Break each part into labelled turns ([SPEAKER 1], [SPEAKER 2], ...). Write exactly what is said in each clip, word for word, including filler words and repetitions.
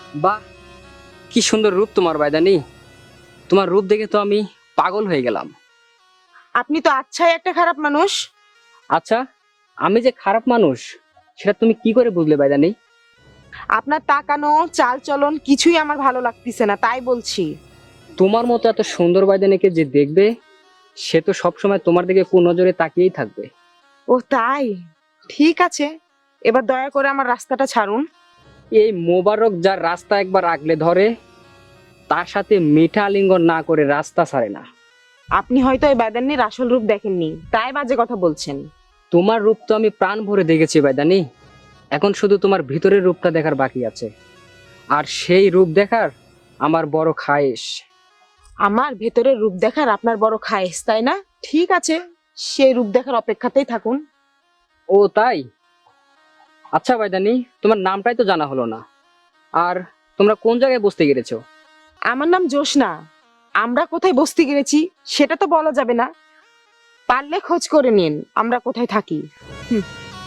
[SPEAKER 1] বাহ, কি সুন্দর রূপ তোমার বাইদানি। তোমার রূপ দেখে তো আমি পাগল হয়ে গেলাম।
[SPEAKER 2] আপনি তো আচ্ছাই একটা খারাপ মানুষ।
[SPEAKER 1] আচ্ছা, আমি যে খারাপ মানুষ সেটা তুমি কি করে বুঝলে বাইদানি?
[SPEAKER 2] আপনার তাকানো চাল চলন কিছুই আমার ভালো লাগতেছে না, তাই বলছি।
[SPEAKER 1] তোমার মতো এত সুন্দর বাইদানিকে যে দেখবে সে তো সবসময় তোমার দিকে কুনজরে তাকিয়েই থাকবে।
[SPEAKER 2] ও তাই? ঠিক আছে, এবার দয়া করে আমার রাস্তাটা ছাড়ুন।
[SPEAKER 1] এই মোবারক যার রাস্তা একবার আগলে ধরে তার সাথে মিঠা আলিঙ্গন না করে রাস্তা ছাড়ে না।
[SPEAKER 2] আপনি হয়তো এই বেদান্নির আসল রূপ দেখেননি, তাই বাজে কথা বলছেন।
[SPEAKER 1] তোমার রূপ তো আমি প্রাণ ভরে দেখেছি বাইদানি, এখন শুধু তোমার ভিতরের রূপটা দেখার বাকি আছে। আর সেই রূপ দেখার আমার বড় খায়েশ।
[SPEAKER 2] আমার ভেতরের রূপ দেখার আপনার বড় খায়েশ, তাই না? ঠিক আছে, সেই রূপ দেখার অপেক্ষাতেই থাকুন।
[SPEAKER 1] ও তাই? আচ্ছা বাইদানি, তোমার নামটাই তো জানা হলো না। আর তোমরা কোন জায়গায় বসতে গেছো?
[SPEAKER 2] আমার নাম জোসনা। আমরা কোথায় বসতে গেছি সেটা তো বলা যাবে না। পারলে খোঁজ করে নিন আমরা কোথায় থাকি। হুম।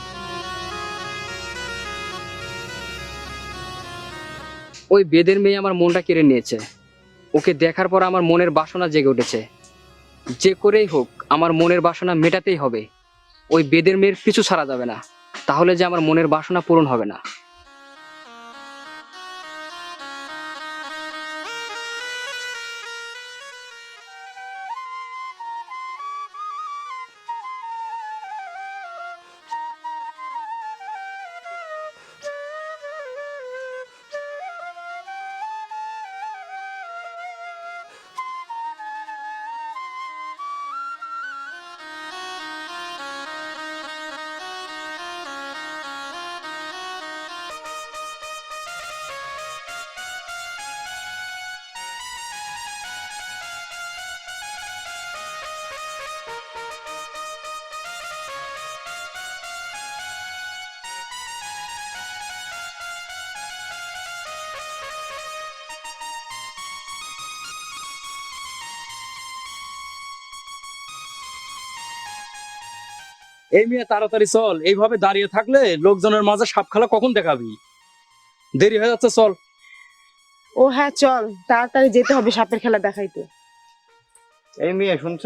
[SPEAKER 1] ওই বেদের মেয়ে আমার মনটা কেড়ে নিয়েছে। ওকে দেখার পর আমার মনের বাসনা জেগে উঠেছে। যে করেই হোক আমার মনের বাসনা মেটাতেই হবে। ওই বেদের মেয়ের পিছু ছাড়া যাবে না, তাহলে যে আমার মনের বাসনা পূরণ হবে না।
[SPEAKER 3] এই মেয়ে তাড়াতাড়ি চল, এইভাবে দাঁড়িয়ে থাকলে লোকজনের মাঝে সাপ খেলা কখন দেখাবি? দেরি হয়ে যাচ্ছে, চল।
[SPEAKER 2] ও হ্যাঁ চল, তাড়াতাড়ি যেতে হবে সাপের খেলা দেখাইতে।
[SPEAKER 4] এই মেয়ে শুনছ?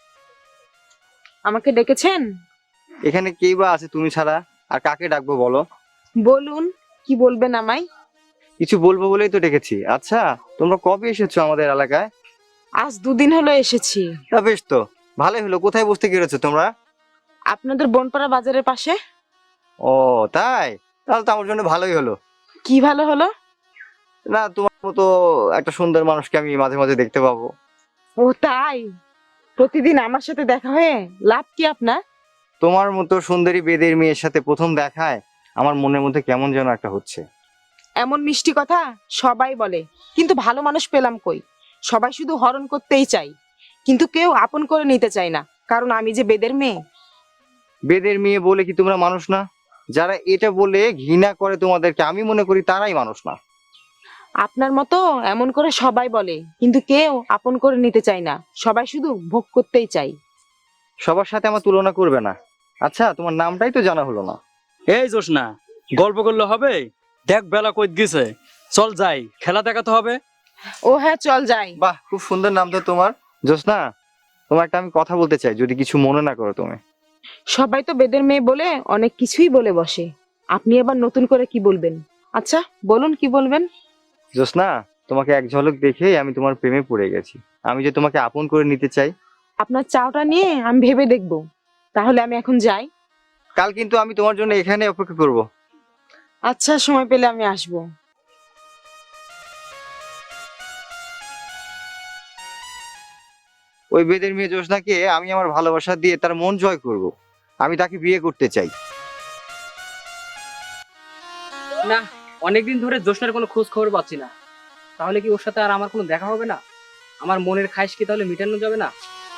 [SPEAKER 2] আমাকে ডেকেছেন?
[SPEAKER 4] এখানে কেই বা আছে তুমি ছাড়া? আর কাকে ডাকবো বলো?
[SPEAKER 2] বলুন, কি বলবেন আমায়?
[SPEAKER 4] কিছু বলবো বলেই তো ডেকেছি। আচ্ছা, তোমরা কবে এসেছো আমাদের এলাকায়?
[SPEAKER 2] আজ দুদিন হলো এসেছি।
[SPEAKER 4] তা বেশ তো, ভালোই হলো। কোথায় বসতে গিয়েছো তোমরা?
[SPEAKER 2] আপনাদের বনপাড়া বাজারের পাশে।
[SPEAKER 4] ও তাই? তাহলে তো আমার জন্য ভালোই হলো।
[SPEAKER 2] কি ভালো হলো?
[SPEAKER 4] না, তোমার মতো একটা সুন্দর মানুষকে আমি মাঝে মাঝে দেখতে পাবো।
[SPEAKER 2] ও তাই? প্রতিদিন আমার সাথে দেখা হয়ে লাভ কি আপনার?
[SPEAKER 4] তোমার মতো সুন্দরী বেদের মেয়ের সাথে প্রথম দেখায় আমার মনের মধ্যে কেমন যেন একটা হচ্ছে।
[SPEAKER 2] এমন মিষ্টি কথা সবাই বলে, কিন্তু ভালো মানুষ পেলাম কই? সবাই শুধু হরণ করতেই চাই, কিন্তু কেউ আপন করে নিতে চায় না, কারণ আমি যে বেদের মেয়ে।
[SPEAKER 4] বেদের মেয়ে বলে কি তোমরা মানুষ না? যারা এটা বলে ঘৃণা করে তোমাদেরকে, আমি মনে করি তারাই মানুষ না।
[SPEAKER 2] আপনার মতো এমন করে সবাই বলে, কিন্তু কেউ আপন করে নিতে চায় না, সবাই শুধু ভোগ করতেই চাই।
[SPEAKER 4] সবার সাথে আমার তুলনা করবে না। আচ্ছা, তোমার নামটাই তো জানা হলো না।
[SPEAKER 3] এই জোসনা, গল্প করলে হবে? দেখ বেলা কই গেছে, চল যাই, খেলা দেখাতে হবে।
[SPEAKER 2] ও হ্যাঁ চল যাই।
[SPEAKER 4] বাহ, খুব সুন্দর নাম তো তোমার, জোসনা। তোমার একটা আমি কথা বলতে চাই, যদি কিছু মনে না করো তুমি।
[SPEAKER 2] সবাই তো বেদের মেয়ে বলে অনেক কিছুই বলে বসে, আপনি আবার নতুন করে কি বলবেন? আচ্ছা বলুন, কি বলবেন?
[SPEAKER 4] জোসনা, তোমাকে এক ঝলক দেখেই আমি তোমার প্রেমে পড়ে গেছি। আমি যে তোমাকে আপন করে নিতে চাই।
[SPEAKER 2] আপনার চাওটা নিয়ে আমি ভেবে দেখব। তাহলে আমি এখন যাই।
[SPEAKER 4] কাল কিন্তু আমি তোমার জন্য এখানে অপেক্ষা করব।
[SPEAKER 2] আচ্ছা, সময় পেলে আমি আসবো।
[SPEAKER 4] ওই বেদের মেয়ে জোসনাকে আমি আমার ভালোবাসা দিয়ে তার মন জয় করব। আমি তাকে বিয়ে করতে চাই।
[SPEAKER 1] না, অনেকদিন ধরে জোসনার কোনো খোঁজ খবর পাচ্ছি না। তাহলে কি ওর সাথে আর আমার কোনো দেখা হবে না? আমার মনের খায়েশ কি তাহলে মিটানো যাবে না?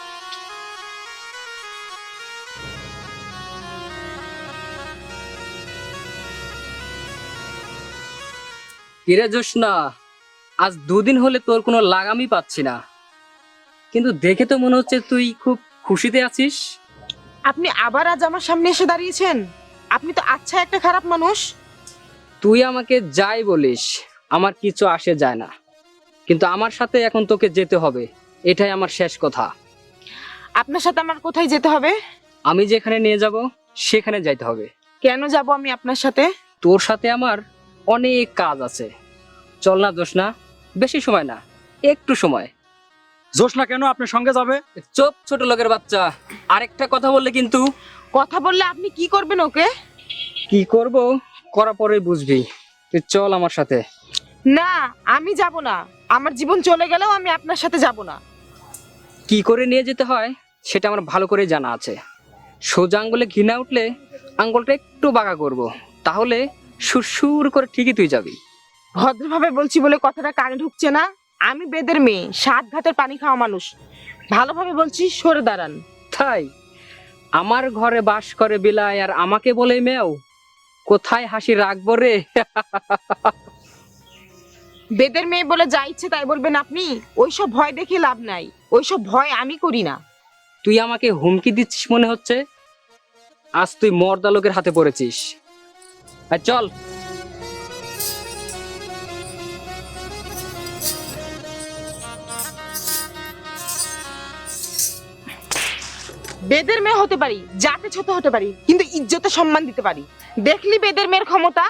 [SPEAKER 1] কিরে জোসনা, আজ দুদিন হলে তোর কোনো লাগামই পাচ্ছি না, কিন্তু দেখে তো মনে হচ্ছে তুই খুব খুশিতে আছিস।
[SPEAKER 2] আপনি আবার আজ আমার সামনে এসে দাঁড়িয়েছেন? আপনি তো আচ্ছা একটা খারাপ মানুষ।
[SPEAKER 1] তুই আমাকে যাই বলিস, আমার কিছু আসে যায় না, কিন্তু আমার সাথে এখন তোকে যেতে হবে, এটাই আমার শেষ কথা।
[SPEAKER 2] আপনার সাথে আমার কোথায় যেতে হবে?
[SPEAKER 1] আমি যেখানে নিয়ে যাব সেখানে যাইতে হবে।
[SPEAKER 2] কেন যাব আমি আপনার সাথে?
[SPEAKER 1] তোর সাথে আমার অনেক কাজ আছে। চল না জোসনা, বেশি সময় না, একটু সময়।
[SPEAKER 3] জোসনা কেন আপনার সঙ্গে যাবে?
[SPEAKER 1] চুপ ছোট লোকের বাচ্চা, আরেকটা কথা বললে কিন্তু।
[SPEAKER 2] কথা বললে আপনি কি করবেন ওকে?
[SPEAKER 1] কি করব করা পরে বুঝবি। তুই চল আমার সাথে।
[SPEAKER 2] না, আমি যাব না। আমার জীবন চলে গেলেও আমি আপনার সাথে যাব না।
[SPEAKER 1] কি করে নিয়ে যেতে হয় সেটা আমার ভালো করে জানা আছে। সোজা আঙ্গুলে ঘৃণা উঠলে আঙ্গুলটা একটু বাঁকা করব, তাহলে সুরসুর করে ঠিকই তুই যাবি।
[SPEAKER 2] ভদ্রভাবে বলছি বলে কথাটা কানে ঢুকছে না? আমি বেদের মেয়ে, সাত ঘাটের পানি খাওয়া মানুষ। ভালোভাবে বলছি, সরে দাঁড়ান।
[SPEAKER 1] তাই আমার ঘরে বাস করে বিলাই আর আমাকে বলে মেও, কোথায় হাসি রাখবো রে?
[SPEAKER 2] বেদের মেয়ে বলে যা ইচ্ছে তাই বলবেন আপনি? ওইসব ভয় দেখে লাভ নাই, ওইসব ভয় আমি করি না।
[SPEAKER 1] তুই আমাকে হুমকি দিচ্ছিস মনে হচ্ছে। আজ তুই মর্দা লোকের হাতে পড়েছিস। আর চল।
[SPEAKER 2] বেদের মেয়ে হতে পারি, জাতে ছোট হতে পারি, কিন্তু ইজ্জতে সম্মান দিতে পারি। দেখলি বেদের মেয়ের ক্ষমতা?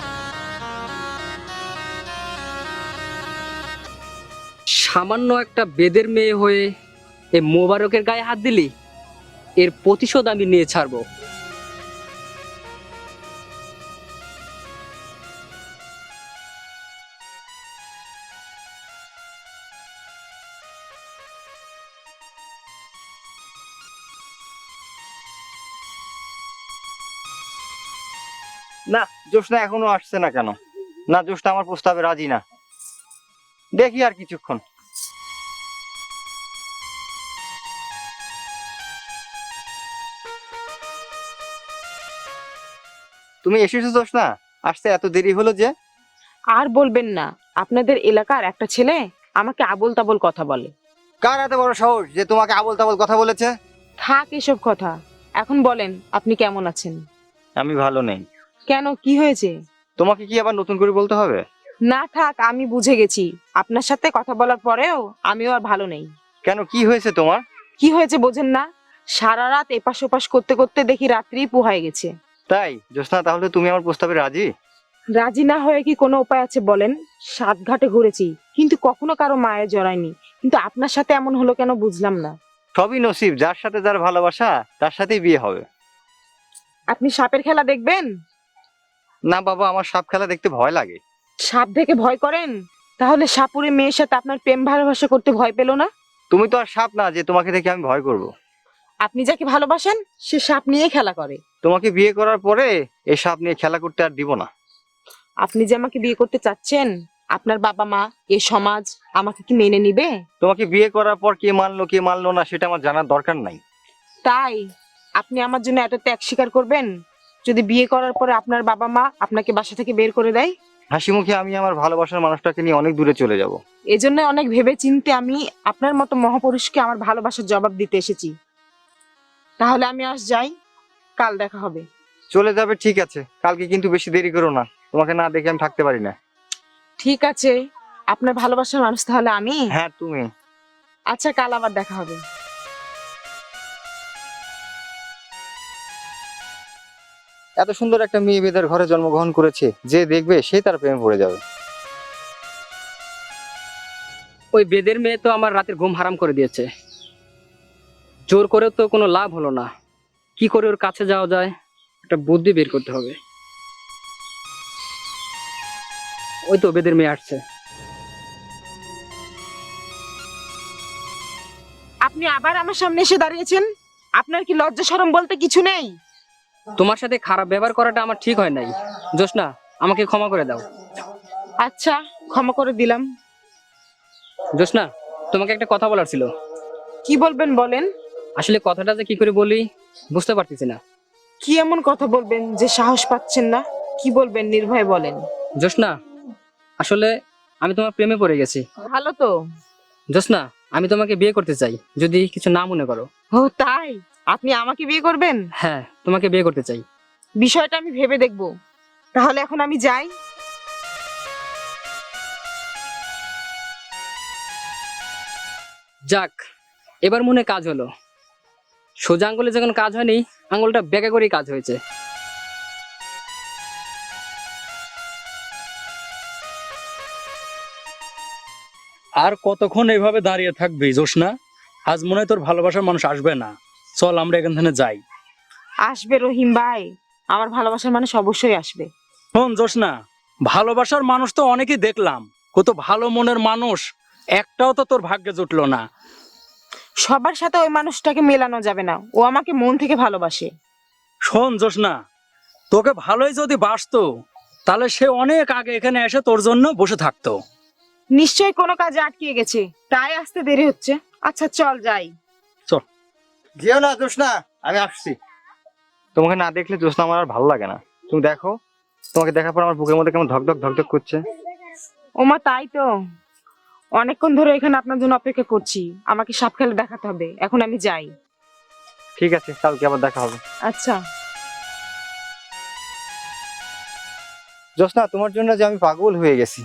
[SPEAKER 1] সামান্য একটা বেদের মেয়ে হয়ে এ মোবারকের গায়ে হাত দিলি, এর প্রতিশোধ আমি নিয়ে ছাড়বো।
[SPEAKER 4] না, জোসনা এখনো আসছে না কেন? না, জোসনা আমার প্রস্তাবে রাজি না। দেখি আর কিছুক্ষণ। তুমি এসেছো জোসনা? আসতে এত দেরি হলো যে?
[SPEAKER 2] আর বলবেন না, আপনাদের এলাকার একটা ছেলে আমাকে আবোল তাবোল কথা বলে।
[SPEAKER 4] কার এত বড় সাহস যে তোমাকে আবোল তাবোল কথা বলেছে?
[SPEAKER 2] থাক এসব কথা, এখন বলেন আপনি কেমন আছেন?
[SPEAKER 4] আমি ভালো নেই।
[SPEAKER 2] কেন, কি হয়েছে?
[SPEAKER 4] তোমাকে কি আবার নতুন করে বলতে হবে?
[SPEAKER 2] না থাক, আমি বুঝে গেছি। আপনার সাথে কথা বলার পরেও আমিও আর ভালো নেই।
[SPEAKER 4] কেন, কি হয়েছে তোমার?
[SPEAKER 2] কি হয়েছে বোঝেন না? সারা রাত এপাশ ওপাশ করতে করতে দেখি রাত্রি পুহায় গেছে।
[SPEAKER 4] তাই জোসনা, তাহলে তুমি আমার প্রস্তাবে রাজি?
[SPEAKER 2] রাজি না হয়ে কি কোনো উপায় আছে বলেন? সাত ঘাটে ঘুরেছি, কিন্তু কখনো কারো মায়ে জড়ায়নি, কিন্তু আপনার সাথে এমন হলো কেন বুঝলাম না।
[SPEAKER 4] সবই নসিব, যার সাথে যার ভালোবাসা তার সাথেই বিয়ে হবে।
[SPEAKER 2] আপনি সাপের খেলা দেখবেন?
[SPEAKER 4] না বাবা, আমার সাপ খেলা দেখতে ভয় লাগে।
[SPEAKER 2] সাপ দেখে ভয় করেন? তাহলে সাপুরে মেয়ের সাথে আপনার প্রেম ভালোবাসা করতে ভয় পেল না?
[SPEAKER 4] তুমি তো আর সাপ না যে তোমাকে দেখে আমি ভয় করব।
[SPEAKER 2] আপনি যাকে ভালোবাসেন সে সাপ নিয়ে খেলা করে।
[SPEAKER 4] তোমাকে বিয়ে করার পরে এই সাপ নিয়ে খেলা করতে আর দিব না।
[SPEAKER 2] আপনি যে আমাকে বিয়ে করতে চাচ্ছেন, আপনার বাবা মা, এ সমাজ আমাকে কি মেনে নিবে?
[SPEAKER 4] তোমাকে বিয়ে করার পর কে মানলো কে মানলো না সেটা আমার জানার দরকার নাই।
[SPEAKER 2] তাই আপনি আমার জন্য এত ত্যাগ স্বীকার করবেন যদি বিয়ে করার পরে আপনার বাবা মা আপনাকে বাসা থেকে বের করে দেয়?
[SPEAKER 4] হাসি মুখে আমি আমার ভালোবাসার মানুষটাকে নিয়ে অনেক দূরে চলে যাব।
[SPEAKER 2] এজন্য অনেক ভেবে চিন্তে আমি আপনার মতো মহাপুরুষকে আমার ভালোবাসার জবাব দিতে এসেছি। তাহলে আমি আজ যাই, কাল দেখা হবে।
[SPEAKER 4] চলে যাবে, ঠিক আছে, কালকে কিন্তু বেশি দেরি করো না। তোমাকে না দেখে আমি থাকতে পারি না।
[SPEAKER 2] ঠিক আছে, আপনার ভালোবাসার মানুষ তাহলে আমি।
[SPEAKER 4] হ্যাঁ তুমি।
[SPEAKER 2] আচ্ছা, কাল আবার দেখা হবে।
[SPEAKER 4] এত সুন্দর একটা মেয়ে বেদের ঘরে জন্মগ্রহণ করেছে, যে দেখবে সে তার প্রেমে পড়ে যাবে।
[SPEAKER 1] ওই বেদের মেয়ে তো আমার রাতের ঘুম হারাম করে দিয়েছে। জোর করে তো কোনো লাভ হলো না। কি করে ওর কাছে যাওয়া যায়, একটা বুদ্ধি বের করতে হবে। ওই তো বেদের মেয়ে আসছে।
[SPEAKER 2] আপনি আবার আমার সামনে এসে দাঁড়িয়েছেন? আপনার কি লজ্জা শরম বলতে কিছু নেই?
[SPEAKER 1] তোমার সাথে খারাপ ব্যবহার করাটা আমার ঠিক হয় নাই। জোসনা, আমাকে ক্ষমা করে দাও।
[SPEAKER 2] আচ্ছা, ক্ষমা করে দিলাম।
[SPEAKER 1] জোসনা, তোমাকে একটা কথা বলার ছিল।
[SPEAKER 2] কি বলবেন বলেন।
[SPEAKER 1] আসলে কথাটা যে কি করে বলি বুঝতে পারতেছি না।
[SPEAKER 2] কি এমন কথা বলবেন যে সাহস পাচ্ছেন না? কি বলবেন নির্ভয়ে বলেন।
[SPEAKER 1] জোসনা, আসলে আমি তোমার প্রেমে পড়ে গেছি।
[SPEAKER 2] ভালো তো।
[SPEAKER 1] জোসনা, আমি তোমাকে বিয়ে করতে চাই, যদি কিছু না মনে করো।
[SPEAKER 2] ও তাই, আপনি আমাকে বিয়ে করবেন?
[SPEAKER 1] হ্যাঁ, তোমাকে বিয়ে করতে চাই।
[SPEAKER 2] বিষয়টা আমি ভেবে দেখব। তাহলে এখন আমি যাই।
[SPEAKER 1] যাক, এবার মনে হয় কাজ হলো। সোজা আঙ্গুলে যখন কাজ হয়নি, আঙ্গুলটা বেঁকা করেই কাজ হয়েছে।
[SPEAKER 3] আর কতক্ষণ এইভাবে দাঁড়িয়ে থাকবি জোসনা? আজ মনে হয় তোর ভালোবাসার মানুষ আসবে না। চল আমরা এখান থেকে যাই।
[SPEAKER 2] আসবে রহিম ভাই, আমার ভালোবাসার মানুষ অবশ্যই আসবে।
[SPEAKER 3] শোন জোসনা, ভালোবাসার মানুষ তো অনেকেই দেখলাম, কত ভালো মনের মানুষ, একটাও তো তোর ভাগ্যে জুটলো না।
[SPEAKER 2] সবার সাথে ওই মানুষটাকে মেলানো যাবে না, ও আমাকে মন থেকে ভালোবাসে।
[SPEAKER 3] শোন জোসনা, তোকে ভালোই যদি বাসতো তাহলে সে অনেক আগে এখানে এসে তোর জন্য বসে থাকতো।
[SPEAKER 2] নিশ্চয়ই কোনো কাজে আটকে গেছে, তাই আসতে দেরি হচ্ছে। আচ্ছা চল যাই।
[SPEAKER 4] যেও না জোসনা, আমি আসছি। তোমাকে না দেখলে জোসনা আমার আর ভালো লাগে না। তুমি দেখো, তোমাকে দেখার পর আমার বুকের মধ্যে কেমন ধকধক ধকধক করছে।
[SPEAKER 2] ওমা তাই তো, অনেকক্ষণ ধরে এখানে আপনার জন্য অপেক্ষা করছি। আমাকে সাপ খেলে দেখাতে হবে, এখন আমি যাই।
[SPEAKER 4] ঠিক আছে, কালকে আবার দেখা হবে।
[SPEAKER 2] আচ্ছা।
[SPEAKER 4] জোসনা, তোমার জন্য যে আমি পাগল হয়ে গেছি।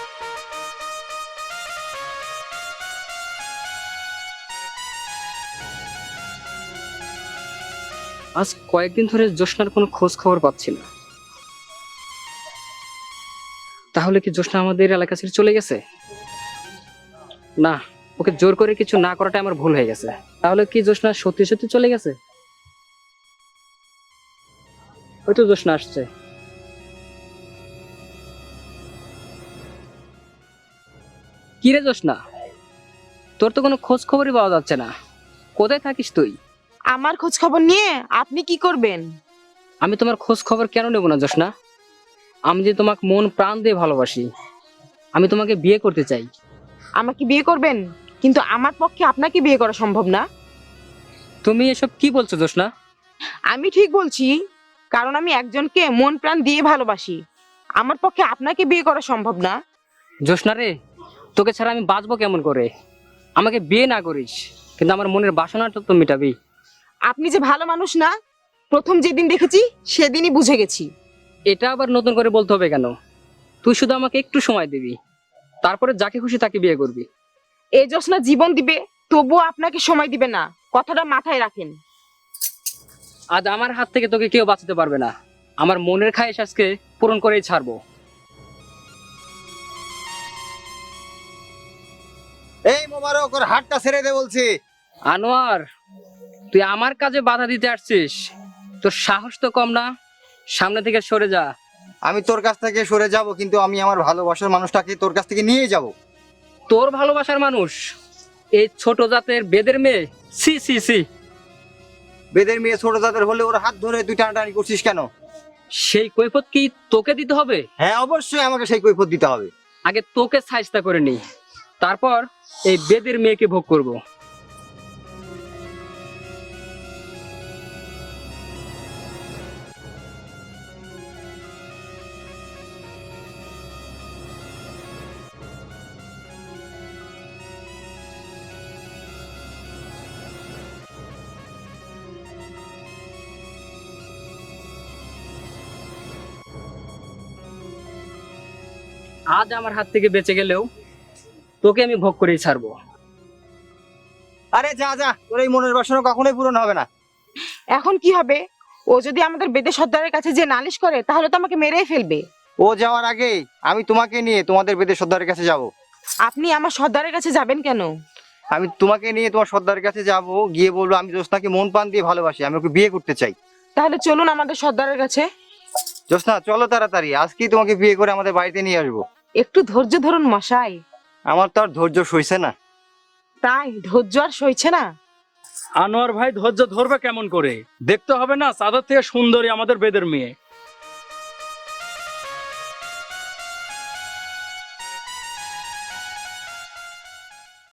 [SPEAKER 1] আজ কয়েকদিন ধরে জোসনার কোনো খোঁজ খবর পাচ্ছি না। তাহলে কি জোসনা আমাদের এলাকা ছেড়ে চলে গেছে? না, ওকে জোর করে কিছু না করাটা আমার ভুল হয়ে গেছে। তাহলে কি জোসনা সত্যি সত্যি চলে গেছে? হয়তো জোসনা আসছে। কি রে জোসনা, তোর তো কোনো খোঁজ খবরই পাওয়া যাচ্ছে না। কোথায় থাকিস তুই?
[SPEAKER 2] আমার খোঁজ খবর নিয়ে আপনি কি করবেন?
[SPEAKER 1] আমি তোমার খোঁজ খবর কেন নেব না জোসনা? আমি যে তোমাকে মন প্রাণ দিয়ে ভালোবাসি, আমি তোমাকে বিয়ে করতে চাই।
[SPEAKER 2] আমাকে বিয়ে করবেন, কিন্তু আমার পক্ষে আপনাকে বিয়ে করা সম্ভব না।
[SPEAKER 1] তুমি এসব কি বলছো জোসনা?
[SPEAKER 2] আমি ঠিক বলছি, কারণ আমি একজনকে মন প্রাণ দিয়ে ভালোবাসি। আমার পক্ষে আপনাকে বিয়ে করা সম্ভব না।
[SPEAKER 1] জোসনা রে, তোকে ছাড়া আমি বাঁচবো কেমন করে? আমাকে বিয়ে না করিস, কিন্তু আমার মনের বাসনাটা তো মেটাবি।
[SPEAKER 2] আপনি যে ভালো মানুষ না, প্রথম যেদিন দেখেছি সেদিনই বুঝে গেছি।
[SPEAKER 1] এটা আবার নতুন করে বলতে হবে কেন? তুই শুধু আমাকে একটু সময় দিবি, তারপরে যাকে খুশি তাকে বিয়ে করবি।
[SPEAKER 2] এই জোসনা জীবন দিবে, তবুও আপনাকে সময় দিবে না, কথাটা মাথায় রাখেন।
[SPEAKER 1] আজ আমার হাত থেকে তোকে কেউ বাঁচাতে পারবে না। আমার মনের খায়েশ আজকে পূরণ করেই ছাড়বো।
[SPEAKER 4] এই মোবারক, ওর হাতটা ছেড়ে দে বলছি।
[SPEAKER 1] আনোয়ার, তুই আমার কাজে বাধা দিতে আসছিস? তোর সাহস তো কম না? সামনে থেকে সরে যা।
[SPEAKER 4] আমি তোর কাছ থেকে সরে যাব, কিন্তু আমি আমার ভালোবাসার মানুষটাকে তোর কাছ থেকে নিয়ে যাব।
[SPEAKER 1] তোর ভালোবাসার মানুষ এই ছোট জাতের বেদের মেয়ে? সি সি সি।
[SPEAKER 4] বেদের মেয়ে ছোট জাতের হলে ওর হাত ধরে তুই টানাটানি করছিস কেন?
[SPEAKER 1] সেই কৈফত কি তোকে দিতে হবে?
[SPEAKER 4] হ্যাঁ, অবশ্যই আমাকে সেই কৈফিয়ত দিতে হবে।
[SPEAKER 1] আগে তোকে সাজতা করে নি, তারপর এই বেদের মেয়েকে ভোগ করব। আজ আমার হাত থেকে বেঁচে গেলেও তোকে আমি ভোগ করেই ছাড়বো।
[SPEAKER 4] আরে যা যা, তোর এই মনের বাসনা কখনোই পূরণ হবে না।
[SPEAKER 2] এখন কি হবে? ও যদি আমাদের বেদে সর্দারের কাছে যে নালিশ করে, তাহলে তো আমাকে মেরেই ফেলবে।
[SPEAKER 4] ও যাওয়ার আগে আমি তোমাকে নিয়ে তোমাদের বেদের সর্দারের কাছে যাব।
[SPEAKER 2] আপনি আমার সর্দারের কাছে যাবেন কেন?
[SPEAKER 4] আমি তোমাকে নিয়ে তোমার সর্দারের কাছে যাব, গিয়ে বলবো আমি জ্যোৎস্নাকে মন প্রাণ দিয়ে ভালোবাসি, আমি ওকে বিয়ে করতে চাই।
[SPEAKER 2] তাহলে চলুন আমাদের সর্দারের কাছে।
[SPEAKER 4] জ্যোৎস্না চলো তাড়াতাড়ি, আজকেই তোমাকে বিয়ে করে আমাদের বাড়িতে নিয়ে আসবো।
[SPEAKER 2] একটু ধৈর্য ধরুন মশাই।
[SPEAKER 4] আমার তো আর ধৈর্য সইছে না।
[SPEAKER 2] তাই ধৈর্য আর সইছে না?
[SPEAKER 3] আনোয়ার ভাই ধৈর্য ধরবে কেমন করে? দেখতে হবে না চাঁদের থেকে সুন্দরী আমাদের বেদের মেয়ে।